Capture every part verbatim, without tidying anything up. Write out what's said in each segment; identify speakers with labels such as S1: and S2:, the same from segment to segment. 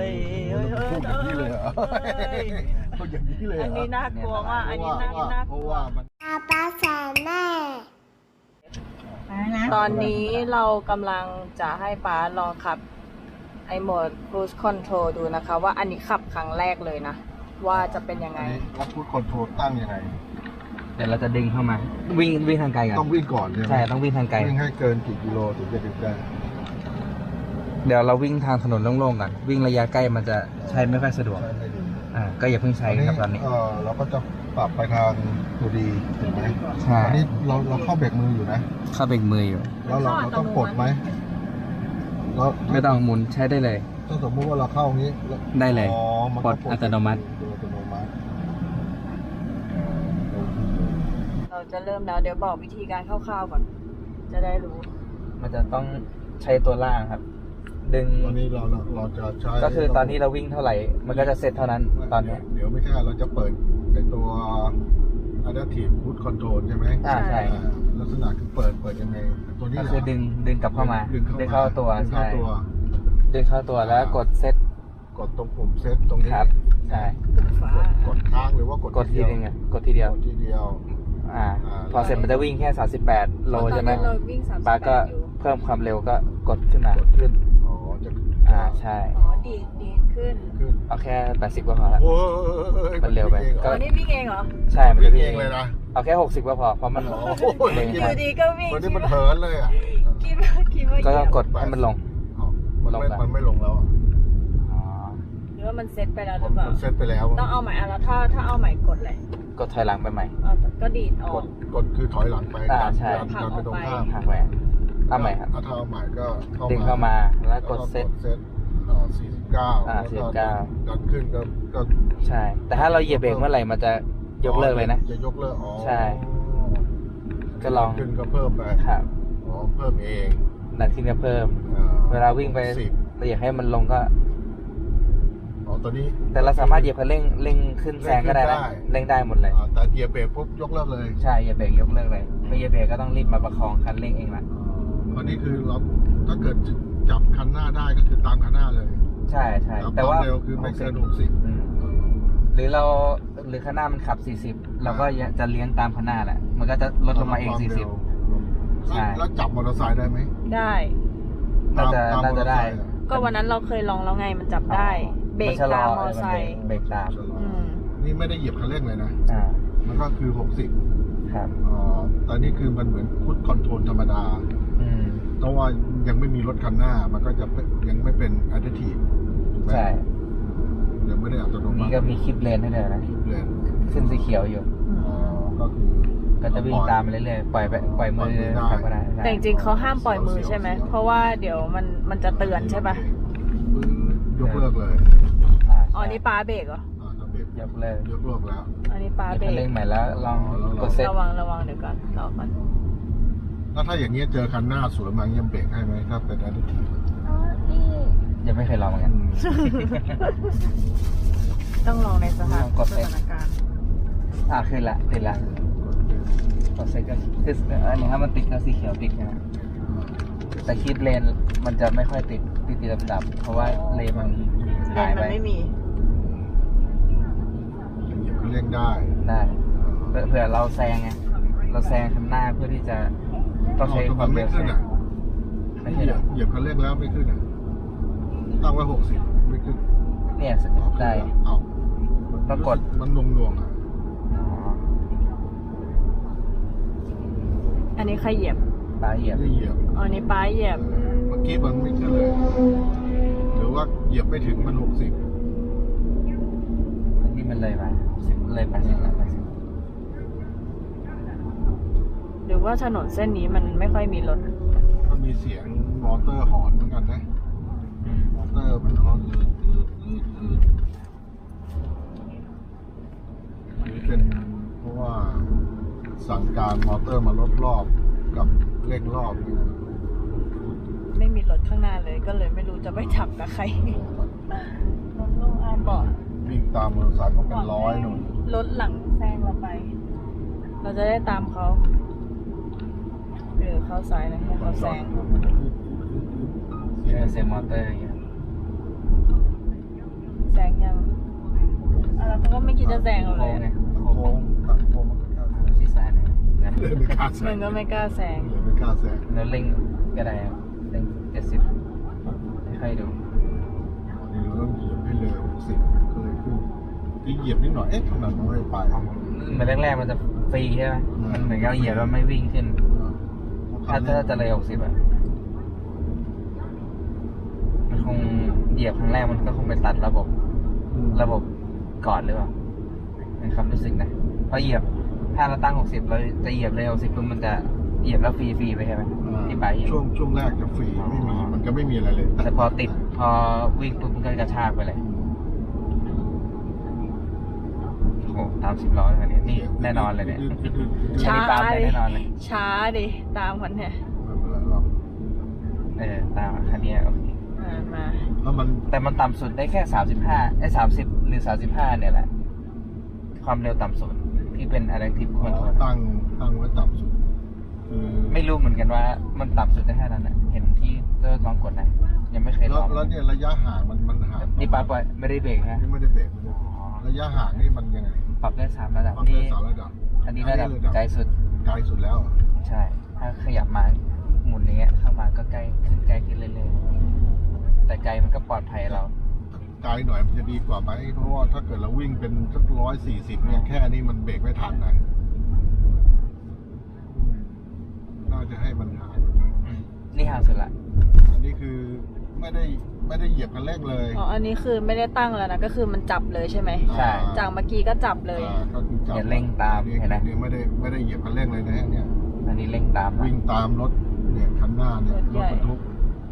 S1: ยพูดอย่างนี้เลยเหรอพูดอย่างนี้เลยอันนี้น่ากลัวมากอันนี้น่ากลัวเพราะว่ามันป้าแสนแม่ตอนนี้เรากำลังจะให้ป้าลองขับไอโหมด cruise control ดูนะคะว่าอันนี้ขับครั้งแรกเลยนะว่าจะเป็นยังไงแล้ว cruise control ตั้งยังไง
S2: เดี๋ยวเราจะดึงเข้ามาวิ่งวิ่งทางไกลกัน
S1: ต้องวิ่งก่อนใช่ไหม
S2: ใช่ต้องวิ่งทางไกล
S1: วิ่งให้เกินกี่กิโลถึงจะดึงได้
S2: เดี๋ยวเราวิ่งทางถนนโล่งๆกันวิ่งระยะใกล้มันจะใช้ไม่ค่อยสะดวกอ่าก็อย่าเพิ่งใช้ครับตอนนี้
S1: เออเราก็จะปรับไปทางตัวดีถูกไหม
S2: ใช่
S1: ตอนนี้เราเราเข้าเบรกมืออยู่นะ
S2: เข้าเบรกมืออยู่
S1: แล้วเราเราต้องกดไหม
S2: เราไม่ต้องหมุนใช้ได้เลย
S1: ถ้าสมมติว่าเราเข้าอย่างนี้
S2: ได้เลยกดอัตโนมัติ
S1: เราจะเริ่มแล้วเดี๋ยวบอกวิธีการคร่าวๆก่อนจะได้รู้
S2: มันจะต้องใช้ตัวล่างครับดึง
S1: ตอนนี้เราเราจะใช้
S2: ก็คือตอนนี้เราวิ่งเท่าไหร่มันก็จะเสร็จเท่านั้นตอนนี้
S1: เดี๋ยวไม่ใช่เราจะเปิดในตัว Adaptive Cruise Control ใช่ไหม
S2: อ่าใช่
S1: ลักษณะคือเปิดเปิดยังไงตัวนี้
S2: ก็คือดึงดึงกลับเข้ามาดึงเข้าตัวใช่ดึงเข้าตัวแล้วกดเซต
S1: กดตรงปุ่มเซตตรงนี้
S2: ครับใช่
S1: กดค้างหรือว่ากด
S2: กดทีนึงอ่ะกดทีเดียว
S1: กดทีเดียว
S2: อ่าพอเสร็จมันจะวิ่งแค่สามสิบแปดโลใช่ไหมป้าก็เพิ่มความเร็วก็กดขึ้นมากดขึ้น
S1: อ๋อจะ
S2: อ่าใช่
S3: อ๋อดีดดีดขึ้น
S2: เอาแค่แปดสิบก็พอละมันเร็วไป
S3: ก็นี่วิ่งเองเหรอ
S2: ใช่มันจะวิ่ง
S1: เองเลยนะ
S2: เอาแค่หกสิบก็พอเพราะมัน
S3: อยู่ดีก็วิ่ง
S1: มันนี่มันเหินเลยอ่ะ
S3: คิดว่าคิดว่า
S2: ก็กดให้มันลง
S1: มันไม่มันไม่ลงแล้ว
S3: หรือว่ามันเซตไปแล้วหรือเปล่า
S1: มันเซตไปแล้ว
S3: ต้องเอาใหม่อ่ะแล้วถ้าถ้าเอาใหม่กดเลย
S2: กดถอยหลังไปใหม่
S3: ก็ดีดออก
S1: กดคือถอยหลังไป
S2: อ่าใช่
S1: ดันไปตรงข้าม
S2: หักแหวนเอาใหม่ครับ
S1: ถ้าเอาใหม่ก็
S2: ดึงเข้ามาแล้วกดเซต
S1: สี่สิบเก้า
S2: อ่าสี่สิบเก้า
S1: ดันขึ้นก็ก็
S2: ใช่แต่ถ้าเราเหยียบเบรกเมื่อไหร่มันจะยกเลิกเลยนะ
S1: จะยกเลิกอ๋อ
S2: ใช่ก็ลอง
S1: ขึ้นก็เพิ่มไป
S2: ครับ
S1: อ๋อเพิ่มเอง
S2: ดันขึ้นก็เพิ่มเวลาวิ่งไปเราอยากให้มันลงก็
S1: อ๋อตอนนี้
S2: แต่เราสามารถเหยียบคันเร่งเร่งขึ้นแซงก็ได้นะเร่งได้หมดเลย
S1: แต่เหยียบเบรกปุ๊บยกเลิกเลย
S2: ใช่เหยียบเบรกยกเลิกเลยไม่เหยียบเบรกก็ต้องรีบมาประคองคันเร่งเองละ
S1: อันนี้คือเราถ้าเกิดจับคันหน้าได้ก็คือตามคันหน้าเลย
S2: ใช่ใช่แต่ว่า
S1: เร็วคือไม่เกินหกสิบ
S2: หรือเราหรือคันหน้ามันขับสี่สิบเราก็จะเลี้ยงตามคันหน้าแหละมันก็จะลดลงมาเองสี่สิบ
S1: ใช่แล้วจับมอเตอร์ไซค์ได้ไหม
S3: ได้
S2: น่าจะน่าจะได้
S3: ก็วันนั้นเราเคยลองแล้วไงมันจับได้เบรกตามมอเตอร์ไซค์
S2: เบรกตาม
S1: นี่ไม่ได้เหยียบคันเร่งเลยนะมันก็คือหกสิบ
S2: ครับ
S1: อ๋อตอนนี้คือมันเหมือนพุทคอนโทรลธรรมดาเพราะว่ายังไม่มีรถคันหน้ามันก็จะยังไม่เป็นอะดิทีฟ
S2: ใช่
S1: ยังไม่ได้อัตโนมัติ
S2: นี่ก็มีคลิปเลนให้เลยนะขึ้นสีเขียวอยู่
S1: อ๋อก็คือ
S2: ก็จะวิ่งตามไปเรื่อยๆปล่อยไปปล่อยมือขับก็ได้
S3: แต่จริงๆเขาห้ามปล่อยมือใช่ไหมเพราะว่าเดี๋ยวมันมันจะเตือนใช่ป่ะ
S1: ยกเลิกเลย
S3: อ๋อนี่ปาเบรกเหร
S2: อยกเลิก
S1: ยกเลิกแล้ว
S3: อันนี้ปาเบรก
S2: เร่งใหม่แล้วลองกดเซ็ต
S3: ระวังระวังเดี๋ยวก่อนรอก่อน
S1: แล้วถ้าอย่างเงี้ยเจอคันหน้าสวนมาเงี้ยเบรกให้ไหมถ้าเป็นอะดิทีฟ
S2: ยังไม่เคยลองเหมือนกัน
S3: ต้องลองในสถานการณ์
S2: อ่าขึ้นละติดละกดเซ็ตก็คืออันนี้ถ้ามันติดก็สีเขียวติดนะแต่คิดเลนมันจะไม่ค่อยติดติดติดดับๆเพราะว่าเลนมันหายไป
S3: ไม่มี
S1: เหยียบคันเร่งได้
S2: ได้เผื่อเราแซงไงเราแซงข้างหน้าเพื่อที่จะต้องใช้ความเร็วแซง
S1: ไม่เหยียบเหยียบคันเร่งแล้วไม่ขึ้นอ่ะตั้งไว้หกสิบไม่ขึ้น
S2: เนี่ยได้
S1: เอา
S2: ปรากฏ
S1: มันลงลงอ่ะ
S3: อันนี้ใครเหยียบ
S2: ปลาเหยียบ
S1: เหยียบ
S3: อ๋อนี่ปลาเหยียบ
S1: เมื่อกี้มันไม่ขึ้นเลยหรือว่าเหยียบไม่ถึงมันหกสิบ
S2: อันนี้มันเลยไปเลยไปสิบแล้วไปสิบ
S3: หรือว่าถนนเส้นนี้มันไม่ค่อยมีรถ
S1: ก็มีเสียงมอเตอร์หอนเหมือนกันนะมอเตอร์มันหอนนี่เป็นเพราะว่าสั่งการมอเตอร์มาลดรอบกับเร่งรอบนี่
S3: ไม่มีรถข้างหน้าเลยก็เลยไม่รู้จะไปจับกับใครรถลงอาบอก
S1: วิ่งตามมอเตอร์ไซค์ก็เป็นร้อยหนุ่ม
S3: รถหลังแซงเราไปเราจะได้ตามเขาหรือเข้าซ้ายนะให้เขาแซง
S2: เซมอเตอร์อย่างเงี้ย
S3: เขาก็ไม่คิดจะแซงเราเล
S2: โค้
S3: ย
S2: งไง
S4: โค้งตัดโค้งมันก็กล้าแซง
S2: ชิดซ้ายหน่อยนะ
S4: เลยไม่กล้าแซ
S3: มึ
S4: ง
S3: งก็ไม่กล้าแซง
S4: เลยไม่กล้าแซง
S2: แล้วเร่งก็ได้ครับเร่งเจ็ดสิบค่อยๆดู
S4: นี่เราต้องเหยียบให้เลยหกสิบก็เลยขึ้นที่เหยียบนิดหน่อยเอ๊ะทำไมมันไม่ไป
S2: เหมือนแรกๆมันจะฟรีใช่ไหมมันเหมือนกับเหยียบแล้วไม่วิ่งขึ้น ถ้าถ้าจะเลยหกสิบอ่ะมันคงเหยียบครั้งแรกมันก็คงไปตัดระบบ ระบบก่อนหรือเปล่าในความรู้สึกนะเพราะเหยียบถ้าเราตั้งหกสิบเราจะเหยียบเลยหกสิบปุ๊บมันจะเหยียบแล้วฟรีๆไปใช่ไหมที่ปลายเหยียบ
S4: ช่วงช่วงแรกจะฟรีไม่มีมันก็ไม่มีอะไรเลย
S2: แต่พอติดพอวิ่งปุ๊บมันก็กระชากไปเลยโอ้โหตามสิบล้อเลยคันนี้นี่แน่นอนเลยเนี่ย
S3: ช้า
S2: อันนี้ตามไป
S3: ดิ
S2: แน่นอนเลย
S3: ช้าดิ ตามคนเนี่ย
S4: ไม่เป็นไรหรอก
S2: เออตามคันนี้โอเค
S3: อ่ามา
S4: แล้วมัน
S2: แต่มันต่ำสุดได้แค่สามสิบห้าไอ้สามสิบหรือสามสิบห้าเนี่ยแหละ ความเร็วต่ำสุดที่เป็น adaptive
S4: ขอ
S2: control
S4: ตั้งตั้งไว้ต่ำสุดคือ
S2: ไม่รู้เหมือนกันว่ามันต่ำสุดได้แค่นั้นนะเห็นที่เจ้าลองกดนะ ยังไม่เคยล
S4: แล้ว
S2: อง
S4: แล้วเนี่ยระยะห่างมันมันห่าง
S2: นี่ปั๊บไว้ไม่ได้เบรกนะ
S4: นี่ไม่ได้เบรกไม่ได้เบรกระยะห่างนี่มันยังไง
S2: ปรับได้สามระดับ
S4: ความเร็
S2: นี่
S4: วสามระดับ
S2: อันนี้ระดับไกลสุด
S4: ไกลสุดแล้วเหรอ
S2: ใช่ ถ้าขยับมาหมุนอย่างเงี้ยเข้ามาก็ใกล้ขึ้นใกล้ขึ้นเรื่อยๆแต่ไกลมันก็ปลอดภัยเรา
S4: ไกลหน่อยมันจะดีกว่าไหมเพราะว่าถ้าเกิดเราวิ่งเป็นสักร้อยสี่สิบเนี่ยแค่นี้มันเบรกไม่ทันนะอืมน่าจะให้มันห่างกว่านี้
S2: อืมนี่ห่างสุดละ
S4: อันนี้คือไม่ได้ไม่ได้เหยียบคันเร่งเลย
S3: อ๋อ อันนี้คือไม่ได้ตั้งแล้วนะ ก็คือมันจับเลยใช่ไหม
S2: ใช่
S3: จากเมื่อกี้ก็จับเลย
S4: อ่าก็คือจับ
S2: อย่าเร่งตาม
S4: อั
S2: เห็นไหม
S4: นี่ไม่ได้ไม่ได้เหยียบคันเร่งเลยนะฮะเนี่ย
S2: อันนี้เร่งตามนะ
S4: วิ่งตามรถเนี่ยคันหน้าเนี่ย
S3: ร
S4: ร
S3: ถใหญ่
S4: ถบรรทุก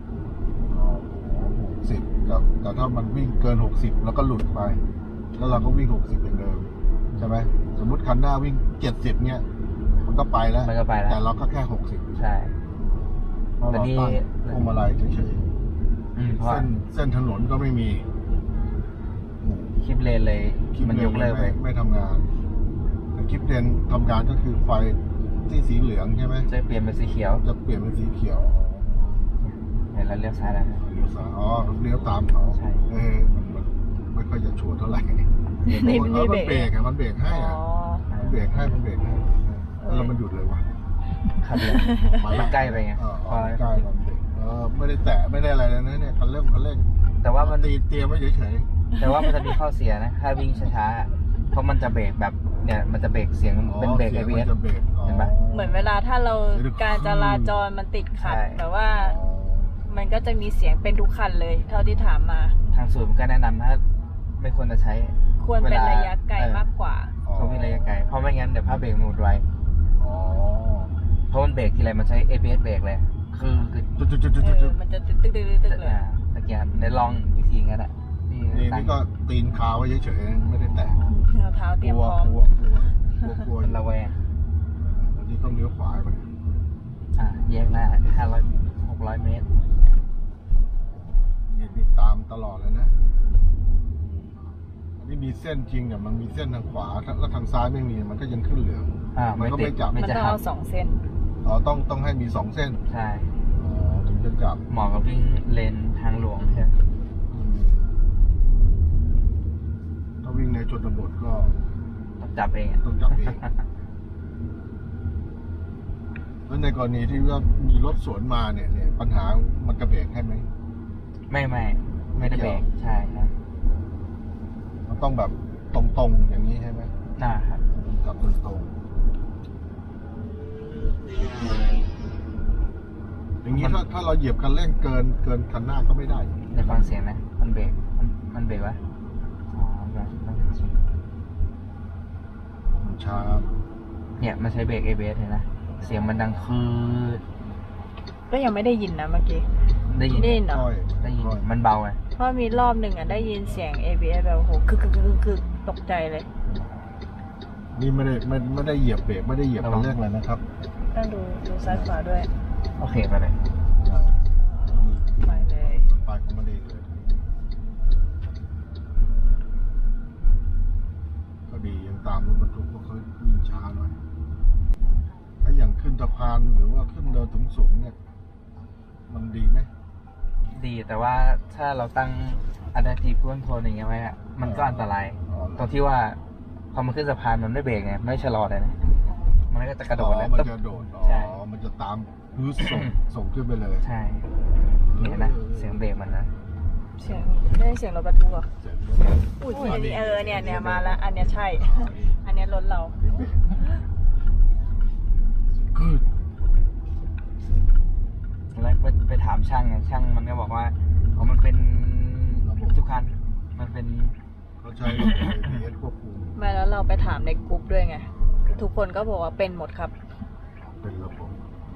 S4: หกสิบแต่แต่ถ้ามันวิ่งเกินหกสิบแล้วก็หลุดไป แล้วเราก็วิ่งหกสิบอย่างเดิมใช่ไหมสมมุติคันหน้าวิ่งเจ็ดสิบเนี่ย มันก็ไปแล้ว
S2: มันก็ไปแล้ว
S4: แต่เราก็แค่หกสิบ
S2: ใช่
S4: เพราะ
S2: แต่
S4: เรา
S2: นี่
S4: ตั้งพวงมาลัยเฉย
S2: อืมเพ
S4: ๆ
S2: ราะ
S4: เส้นเส้นถนนก็ไม่มีอืม
S2: คลิปเลนเลย
S4: คลิป
S2: มันยกเลิกไป
S4: ไม่ไม่ทำงานแต่คลิปเลนทำงานก็คือไฟที่สีเหลืองใช่ไหม
S2: จะเปลี่ยนเป็นสีเขียว
S4: จะเปลี่ยนเป็นสีเขียว
S2: เห็นแล้วเลี้ยวซ้ายแล้วนะ
S4: เลี้ยวซ้ายอ๋อเลี้ยวตามเขา
S2: ใช่
S4: เออมันมันไม่ค่อยจะชัวร์เท่าไหร่
S3: นี่
S4: เอ
S3: มัน
S4: อ
S3: มี
S4: มัน
S3: เบ
S4: เบ
S3: ร
S4: ร
S3: ก
S4: กอะมันเบรกให้
S3: อ๋
S4: อะ
S3: อ
S4: มันเบรกให้มันเบรกให้แล้วมันหยุดเลยวะ
S2: ขับเลยมันใกล้ไปไง
S4: เออ
S2: พอ
S4: ใกล้มันเบรกเออไม่ได้แตะไม่ได้อะไรเลยนะเนี่ยคันเร่งคันเร่ง
S2: แต่ว่ามัน
S4: ตีเตรียมไว้เฉย
S2: แต่ว่ามันจะมีข้อเสียนะ ถ้าวิ่งช้าๆอะเพราะมันจะเบรกแบบเนี่ยมันจะเบรกเสียง
S4: ๆ
S2: เป็นเบรก
S4: สี
S2: ไอย
S4: ง
S2: พี
S4: มั
S2: เอส
S4: จะเบรก
S2: เห็นปะ
S3: เหมือนเวลาถ้าเราการจราจรมันติดขัด
S2: ใช่
S3: แบบว่ามันก็จะมีเสียงเป็นทุกคันเลย เท่าที่ถามมา
S2: ทางศูนย์ก็แนะนำถ้าไม่ควรจะใช้
S3: ควรเป็นระยะไกล
S2: เวลา
S3: มากกว่า
S2: เขาวิ่งระยะไกล เพราะไม่งั้นเดี๋ยวภาพเบรกมันหมดไว
S4: อ๋อ
S2: เพราะมันเบรกทีไรมันใช้ เอ พี เอส เบรกเลย คือคือ
S4: จุดจุดจุดจุด
S3: เอ
S4: จุ
S3: อ
S4: ด
S3: มันจะตึกตึกตึกตึกตึกเลย
S2: อ่าตะเกียบได้ลองวิธีงั้นอ่ะนี่
S4: นี่
S2: ตั้ง
S4: นี่ก็ตีนคาไว้เฉยๆไม่ได้แตะ
S3: เอาเท้าเตรียม
S4: กลัว
S3: พร้อม
S4: กลัวกลัวกลัวกลัว
S2: มันระแวง
S4: แล้วนี่ต้องเลี้ยวขวาไป
S2: อ่าแยกหน้าห้าร้อยหกร้อยเมตร
S4: นี่ติดตามตลอดเลยนะอันนี้มีเส้นจริงอ่ะมันมีเส้นทางขวาแล้วทางซ้ายไม่มีมันก็ยังขึ้นเหลือง
S2: อ่า
S4: มัน
S2: ไม่
S4: ก็
S2: ติ
S4: ไม่
S2: ด
S4: จับ
S2: ไม่
S3: มัน
S2: จะ
S3: ต้อง
S2: หั
S3: เอา
S2: ก
S3: สองเส้น
S4: อ๋อต้องต้องให้มีสองเส้น
S2: ใช่
S4: อ๋อถึงจะจับ
S2: เหมาะกับวิ่งเลนทางหลวงใช่ไหม
S4: อืมถ้าวิ่งในชนบทก็
S2: ต้องจับเองอ่ะ
S4: ต้องจับเอง แล้วในกรณีที่ว่ามีรถสวนมาเนี่ยเนี่ยปัญหามันจะเบรกให้ไหม
S2: ไม่ไม่ไม่ได้เบรกใช่ครับ
S4: มันต้องแบบตรงๆอย่างนี้ใช่ไหม
S2: น่าครับ
S4: จับตรงๆอย่างนี้ถ้าถ้าเราเหยียบคันเร่งเกินเกินคันหน้าก็ไม่ได้
S2: ได้ฟังเสียงนะมันเบรกมันมันเบรกวะอ๋อแบบมัน
S4: มันช้า
S2: เนี่ยมันใช้เบรก เอ บี เอส เห็นนะเสียงมันดังคือ
S3: ก็ยังไม่ได้ยินนะเมื่อกี้
S2: ได้ยิน
S3: ได้ยินเหรอ
S4: ค่อย
S2: ได้ยิน
S4: ค่อย
S2: มันเบาไง
S3: เพราะมีรอบหนึ่งอ่ะได้ยินเสียง เอ บี เอส แบบโอ้โหคึกคึกคึกคึกตกใจเลย
S4: นี่ไม่ได้ไม่ไม่ได้เหยียบเบรกไม่ได้เหยียบคันเร่งเลยนะครับ
S3: ต้องดูดูซ้ายขวาด้วย
S2: โอเคไปเลย
S3: ไปเลย
S4: ไปของมันเองเลยก็ดียังตามรถบรรทุกเพราะเขาวิ่งช้าหน่อยถ้าอย่างขึ้นสะพานหรือว่าขึ้นเนินสูงๆเนี่ย มันดีไหม
S2: ดีแต่ว่าถ้าเราตั้ง adaptive cruise control อย่างเงี้ยไว้อะมันก็อันตราย
S4: อ๋อ
S2: ตรงที่ว่าพอมันขึ้นสะพานมันไม่เบรกไงไม่ชะลอเลยนะมันก็จะกระโดด
S4: อ๋อ
S2: เลย
S4: มัน
S2: ตึ๊บ
S4: จะโดดอ๋
S2: ใช่
S4: อมันจะตามพื้นส่ง ส่งขึ้นไปเลย
S2: ใช่นี่เห็นนะเสียงเบรกมันนะ
S3: เสียงได้เสียงรถบรรทุกเหรอ
S4: เจ๋ง
S3: อุ้ย
S1: อุ้ย
S3: อันนี้
S1: เออเนี่ยเนี่ยมาแล้วอันเนี้ยใช่ อันเนี้ยรถเรา
S4: คือ
S2: แล้วไปไปถามช่างไงช่างมันก็บอกว่าอ๋อมันเป็นทุกคันมันเป็น
S4: เขาใช้ระบบ เอ บี เอส ควบคุม
S3: ไม่แล้วเราไปถามในกรุ๊ปด้วยไง ทุกคนก็บอกว่าเป็นหมดครับ
S4: เป็นระบบ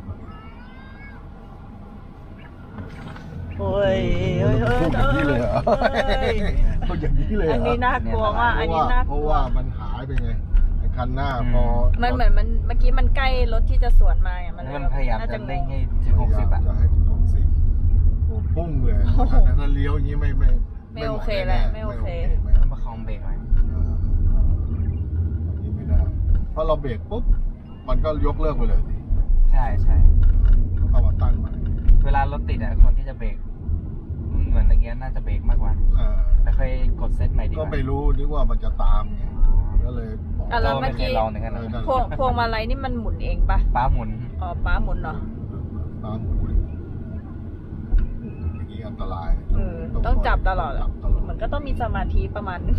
S1: โอ้ยเอ้ยเอ้ย
S4: พูดอย่างนี้เลยเหรอ
S1: เอ้ย
S4: พูดอย่างนี้เลยเหร
S1: อันนี้น่ากลัวมาก
S4: เพ
S1: อัน
S4: ราะ
S1: นี้
S4: ว่า
S1: น่า
S4: เพ
S1: ก
S4: ราะ
S1: ลัว
S4: ว่ามันหายไปไงไอ้คันหน้าพอ
S3: มันเหมือนมันเมื่อกี้มันใกล้รถที่จะสวนมาไงมันเลย
S2: มันพยายาม
S3: น่
S2: จะ
S3: ง
S2: เร่ง
S3: ง
S2: ให้ถึงหกสิบอ่ะ
S4: จะให้ถึงหกสิบโอ้พุ่งเลยแต่ถ้าเลี้ยวอย่างนี้ไม่ไม่
S3: ไม่โอเคแหละไม่โอเค
S4: ไม่
S2: ต้
S4: โอ
S2: อง
S4: เค
S2: ประคองเบรกไว้
S4: อ่าอันนี้ไม่ได้เพราะเราเบรกปุ๊บมันก็ยกเลิกไปเลยสิ
S2: ใช่ใช่
S4: ต้องมาตั้งใหม่
S2: เวลารถติดอ่ะคนที่จะเบรกเหมือนตะเกียน่าจะเบรกมากกว่า
S4: อ่า
S2: แต่ค่อยกดเซตใหม่ดีก
S4: ก็
S2: ว่า
S4: ไม่รู้นึกว่ามันจะตามไงก็เลยบอก
S3: อ่ะแล้วเมื่อกี้
S2: โจ้ไคยลองหนึ่งกัน
S4: เออนั่น
S3: พวงพวงมาลัยนี่มันหมุนเองปะ
S2: ป้าหมุน
S3: อ๋อป้าหมุนเหรอ
S4: ตามหมุนอย่างนี้อันตราย
S3: เออต้องจับตลอด
S4: จั
S3: อะ
S4: บตลอด
S3: มันก็ต้องมีสมาธิประมาณนึง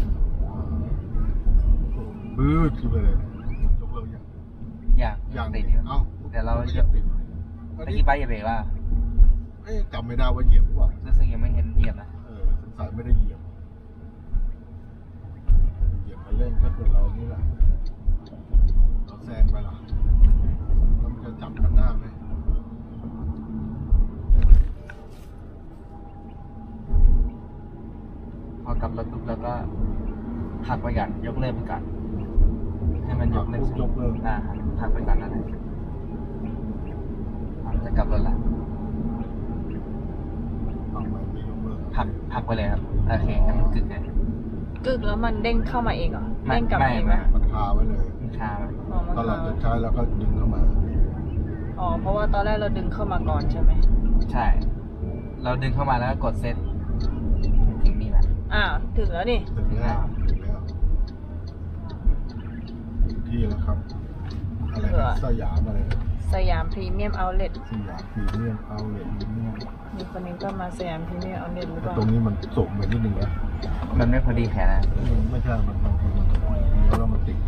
S4: บื้อขึ้นไปเลยยกเลิกยัง
S2: อย่าง
S4: ยัง
S2: ติดอยู่
S4: เอ้า
S2: เดี๋ยวเรา
S4: ไม่ยังติด
S2: ตะกี้ป้าอย่าเบรกว่า
S4: เอ๊ะจำไม่ได้ว่าเหยียบหรือเปล่า
S2: รู้สึกยังไม่เห็นเหยียบนะ
S4: เออสงสัยไม่ได้เหยียบเหยียบมาเล่นก็คือเรานี่แหละเราแซงไปละแล้วมันจะจับกันหน้าไหม
S2: พอกลับรถปุ๊บแล้วก็หักไปก่อนยกเลิกไปก่อนให้มันยกเลิก
S4: ปุ๊บยกเลิก
S2: อ่าหักไปก่อนนั่นแหละอ่ะจะกลับรถละ
S4: ทำไมไม่ยกเลิก
S2: หักหักไปเลยครับโอเคให้มันกึกเลย
S3: กึกแล้วมันเด้งเข้ามาเองเหรอ
S2: ไม่
S3: เด้งกลับ
S2: ไม่
S3: เอง
S2: ไม่
S3: ไหม
S4: มันคาไว้เลย
S2: มันชาไป
S3: อ๋อมัน
S4: ตอนเรา
S3: เข้า
S4: จะใช้แล้วก็ดึงเข้ามา
S3: อ๋อเพราะว่าตอนแรกเราดึงเข้ามาก่อนใช่ไหม
S2: ใช่ เราดึงเข้ามาแล้วก็กดเซตถึงนี่แหละ
S3: อ้าวถึงแล้วนี่
S4: ถึงแล้วถึงแล้วถึงที่แล้วครับ อะไรนะสยามอะไรนะ
S3: สยามพรีเมียมเอาท์เล็ต
S4: สยามพรีเมียมเอาเลทพรีเมียม
S3: มีคนนึงก็มาสยามพรีเมียมเอาท์เล็ตหรือเปล่า
S4: ตรงนี้มันสูงไปนิดนึงนะ
S2: มันไม่พอดีแขนนะ
S4: มันไม่ใช่มันบางทีมันเลี้ยวแล้วมันติด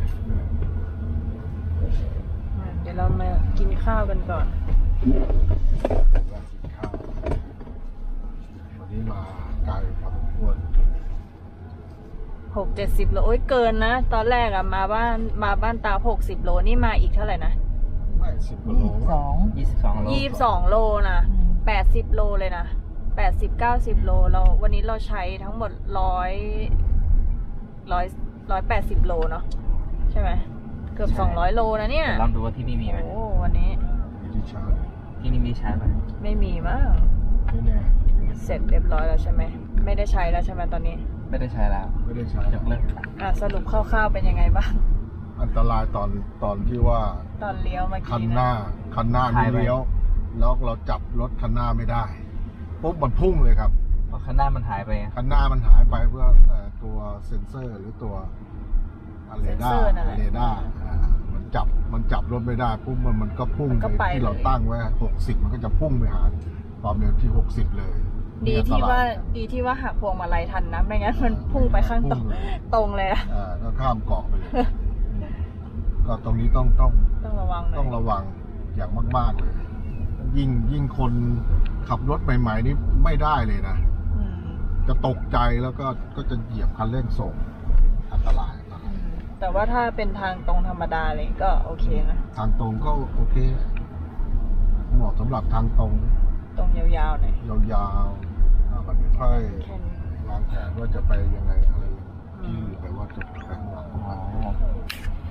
S3: อ่ะเดี๋ยวเรามากินข้าวกันก่อน
S4: ร้านสินค้าวันนี้มาไกลพอสมควร
S3: หกเจ็ดสิบโลโอ้ยเกินนะ ตอนแรกอะมาบ้านมาบ้านตาหกสิบโลนี่มาอีกเท่าไหร่นะ
S4: ไม่สิบกว่าโล
S1: สอง
S2: ยี่สิบสองโล
S3: ยี่สิบสองโลนะแปดสิบโลเลยนะแปดสิบเก้าสิบโลเราวันนี้เราใช้ทั้งหมดร้อยร้อยร้อยแปดสิบโลเนาะใช่ไหมเกือบสองร้อยโลนะเนี่ย
S2: เดี๋ยวลองดูว่าที่นี่มีไหม
S3: โอ้วันนี้
S4: มีที่ชาร์จ
S2: ที่นี่มีชาร์จไหม
S3: ไม่มีมั้ง
S4: ไม่แน่
S3: เสร็จเรียบร้อยแล้วใช่ไหมไม่ได้ใช้แล้วใช่ไหมตอนนี้
S2: ไม่ได้ใช้แล้ว
S4: ไม่ได้ชาร์จ
S2: ยกเลิก
S3: อ่ะสรุปคร่าวๆเป็นยังไงบ้าง
S4: อันตรายตอนตอนที่ว่า
S3: ตอนเลี้ยวเมื่อ
S4: คัน
S3: กี้
S4: หน้า
S3: นะ
S4: คันหน้านี่เลี้ยว แล้วเราจับรถคันหน้าไม่ได้ปุ๊บมันพุ่งเลยครับ
S2: เพราะข้างหน้ามันหายไป
S4: คันหน้ามันหายไปเพื่อเอ่อตัวเซ็นเซอร์หรือตัวเรดาร์เรดาร์อ่ามันจับมันจับรถไม่ได้ปุ๊บมันมันก็พุ่ง
S3: มันก็ไป
S4: ที่เรา
S3: เลย
S4: ตั้งไว้หกสิบมันก็จะพุ่งไปหาความเร็วที่หกสิบเลย
S3: ดีที่ว่า
S4: นี่อันตรย
S3: ดีที่ว่าหักพวงมาลัยทันนะไม่งั้นมันพุ่งไปข้างตรง
S4: พุ่เลย
S3: ตรงเลยนะ
S4: อ่าก็ข้ามเกาะไปเลย ก็ตรงนี้ต้องต้อง
S3: ต้องระวังหน่
S4: ต้
S3: อ
S4: อง
S3: ย
S4: ระวังอย่างมาก ๆเลย ยิ่งยิ่งคนขับรถใหม่ ๆ นี่ไม่ได้เลยนะ
S3: อืม
S4: จะตกใจแล้วก็ก็จะเหยียบคันเร่งส่งอันตรายอันตราย
S3: อืมแต่ว่าถ้าเป็นทางตรงธรรมดาเลยก็โอเคนะ
S4: ทางตรงก็โอเคเหมาะสำหรับทางตรง
S3: ตรงยาวๆหน่อย
S4: ยาวๆอ่าบัดนี้ค่อย
S3: แค่นี้
S4: วางแผนว่าจะไปยังไงอะไรที่ไปว่าจะไปข้างหลัง
S2: อ๋อ